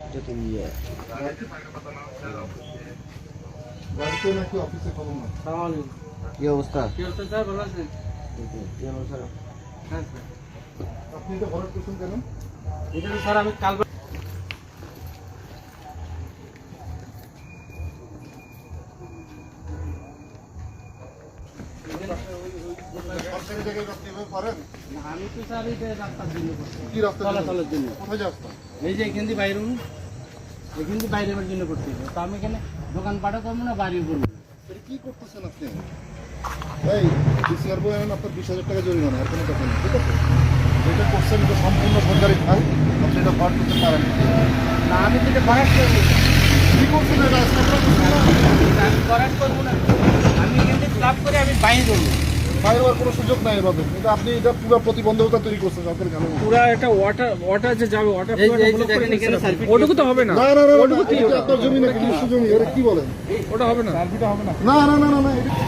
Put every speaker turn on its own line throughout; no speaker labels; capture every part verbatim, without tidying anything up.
যত ইয়ে
বাড়িতে নাকি অফিসে খবর না?
কি অবস্থা?
কি অবস্থা স্যার, ভালো আছেন?
কি অবস্থা?
হ্যাঁ স্যার।
আপনি এটা ভরাট করছেন কেন?
এটা তো স্যার আমি কাল
সরকারি জায়গায় আপনি এভাবে পারেন?
না, আমি তো স্যার এটা রাস্তার জন্য করছি।
কি রাস্তা?
চলাচলের জন্য।
কোথায় রাস্তা?
এই যে এখান দিয়ে বাইরে উঠুন, এখান দিয়ে বাইরে বের জন্য করছি। তো আমি এখানে দোকান পাঠও করবো না, বাড়িও করবো না।
এটা কি করতেছেন আপনি? এই ডিসিআর বই আনেন, আপনার বিশ হাজার টাকা জরিমানা, আর কোনো কথা নেই, ঠিক আছে? যেটা করছেন এটা সম্পূর্ণ সরকারি খাল, আপনি এটা ভরাট করতে পারেন না।
না, আমি তো এটা ভরাট করবো না।
কি করছেন এটা? আপনারা করছেন না?
আমি ভরাট করবো না। আমি এখান থেকে ক্লাব করে আমি বাইরে করবো।
বাইরে হওয়ার কোনো সুযোগ নাই এভাবে, কিন্তু আপনি এটা পুরো প্রতিবন্ধকতা তৈরি করছেন সরকারি খালে।
পুরা একটা ওয়াটার ওয়াটার যে যাবে ওয়াটার
এই যে- এই যে দেখেন এখানে সার্কিট।
ওটুকু তো হবে না,
না না না না, এটা আপনার জমি নাকি নিজস্ব জমি? এটা কি বলেন?
ওটা হবে না, সার্ভিটা হবে না।
না না না না না, এটা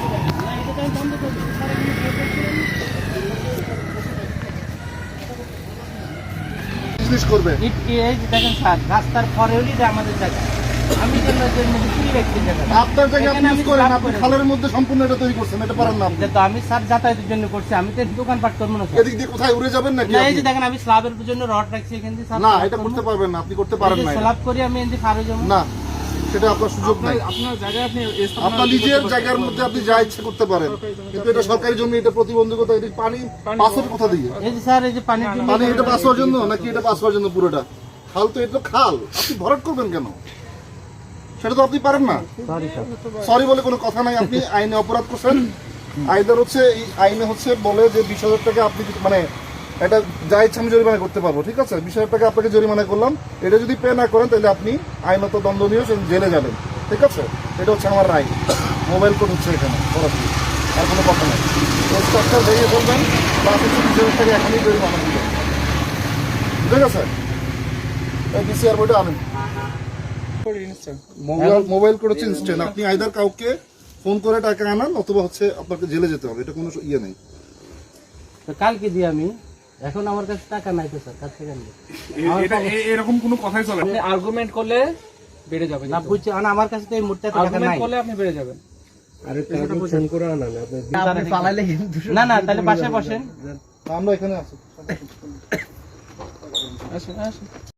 বিজনেস করবে।
এই এই যে দেখেন স্যার, রাস্তার পরে হলি এটা আমাদের জায়গা। আমি কেন কি ব্যক্তি জায়গা?
আপনার জায়গায় আপনি
এখানে
ইউজ
আমি
করেন,
ক্লাব
আপনি
করে-
খালের মধ্যে সম্পূর্ণ এটা তৈরি করছেন, এটা পারেন না আপনি।
এটা তো আমি স্যার যাতায়াতের জন্য করছি, আমি তো দোকান পাট করবো না স্যার।
এদিক দিয়ে কোথায় উড়ে যাবেন নাকি
না, এই
আপনি?
যে দেখেন আমি স্ল্যাবের জন্য রড রাখছি এখান দিয়ে স্যার।
না, এটা করতে পারবেন না, আপনি করতে পারেন না এটা।
স্ল্যাব করি আমি এখান ফারে যাবো
না, সেটা আপনার সুযোগ নাই।
আপনার জায়গায় আপনি
আপনার নিজের জায়গার মধ্যে আপনি যা ইচ্ছে করতে পারেন, কিন্তু এটা সরকারি জমি, এটা প্রতিবন্ধকতা। এটা পানি পাস হবে কোথা দিয়ে?
এই যে স্যার, এই যে পানির জন্য
পানি এটা পাস হওয়ার জন্য নাকি এটা পাস হওয়ার জন্য পুরোটা? খাল তো এটা তো খাল, আপনি ভরাট করবেন কেন? সেটা তো আপনি পারেন না।
Sorry sir.
সরি বলে কোনো কথা নাই, আপনি আইনে অপরাধ করছেন। আইনের হচ্ছে এই আইনে হচ্ছে বলে যে বিশ হাজার টাকা আপনি যদি- মানে এটা যা ইচ্ছা আমি জরিমানা করতে পারবো, ঠিক আছে? বিশ হাজার টাকা আপনাকে জরিমানা করলাম, এটা যদি পে না করেন তাহলে আপনি আইনত দণ্ডনীয়, জেলে যাবেন, ঠিক আছে? এটা হচ্ছে আমার রায়। মোবাইল কোড হচ্ছে এখানে সরাসরি, আর কোনো কথা নেই। স্ট্রাকচার ভেঙে ফেলবেন, প্লাস হচ্ছে বিশ হাজার টাকা এখনই জরিমানা দিবেন, ঠিক আছে? এই ডিসিআর বইটা আনেন। মোবাইল মোবাইল কোড হচ্ছে ইনস্ট্যান্ট। আপনি আইদার কাউকে ফোন করে টাকা আনান, অথবা হচ্ছে আপনাকে জেলে যেতে হবে, এটা কোনো ইয়ে নেই।
তো কালকে দিই আমি, এখন আমার কাছে টাকা নাই তো স্যার, কাছ থেকে আনবো।
এটা এ- এরকম কোনো কথাই চলে না। আপনি আর্গুমেন্ট করলে বেড়ে যাবে,
না বুঝছি, মানে আমার কাছে তো এই মুহূর্তে এত টাকা
আর্গুমেন্ট
নাই।
করলে আপনি বেড়ে যাবেন।
না না, তাহলে বাসায় বসেন।
আমরা এখানে আছি।
আসেন আসেন